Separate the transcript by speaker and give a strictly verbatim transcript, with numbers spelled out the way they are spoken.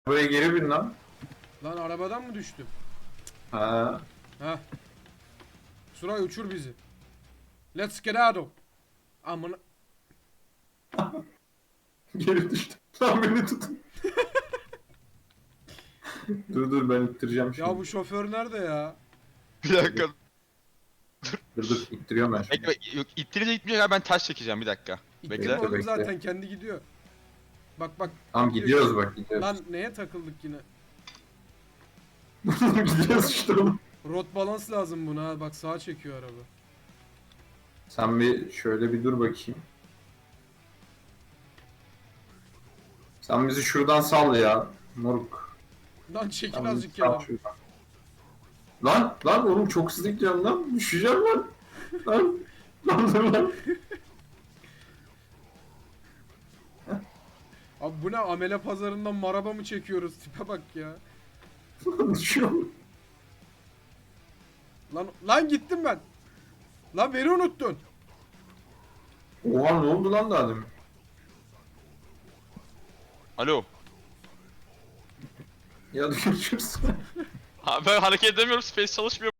Speaker 1: Buraya geri bin lan.
Speaker 2: Lan arabadan mı düştüm?
Speaker 1: Ha.
Speaker 2: Heh. Suray uçur bizi. Let's get out of. Amına.
Speaker 1: Geri düştüm. Lan beni tutun. Dur dur ben ittireceğim şimdi.
Speaker 2: Ya bu şoför nerede ya?
Speaker 3: Bir dakika.
Speaker 1: Dur dur ittiriyorum ben şimdi.
Speaker 3: Bekle, yok ittirince gitmeyecek abi, ben taş çekeceğim bir dakika.
Speaker 2: İttirme
Speaker 3: Bekle.
Speaker 2: oğlum
Speaker 1: bekle.
Speaker 2: zaten kendi gidiyor. Bak bak.
Speaker 1: Tamam
Speaker 2: gidiyor.
Speaker 1: gidiyoruz bak gidiyoruz.
Speaker 2: Lan neye takıldık yine?
Speaker 1: gidiyoruz işte oğlum.
Speaker 2: Rot balans lazım buna ha. Bak sağa çekiyor araba.
Speaker 1: Sen bir şöyle bir dur bakayım. Sen bizi şuradan sal ya. Moruk.
Speaker 2: Lan çekil
Speaker 1: Sen bizi
Speaker 2: azıcık
Speaker 1: sal
Speaker 2: ya.
Speaker 1: şuradan. Lan lan oğlum çok hızlı gidiyorsun lan. Düşeceğim lan. Lan. Lan dur lan.
Speaker 2: Abi bu ne, amele pazarından maraba mı çekiyoruz? Tipe bak ya.
Speaker 1: Düşüyorum.
Speaker 2: Lan lan gittim ben. Lan beni unuttun.
Speaker 1: Oha ne oldu lan daha demin?
Speaker 3: Alo.
Speaker 1: Ya görüşürüz.
Speaker 3: Abi ben hareket edemiyorum, space çalışmıyor.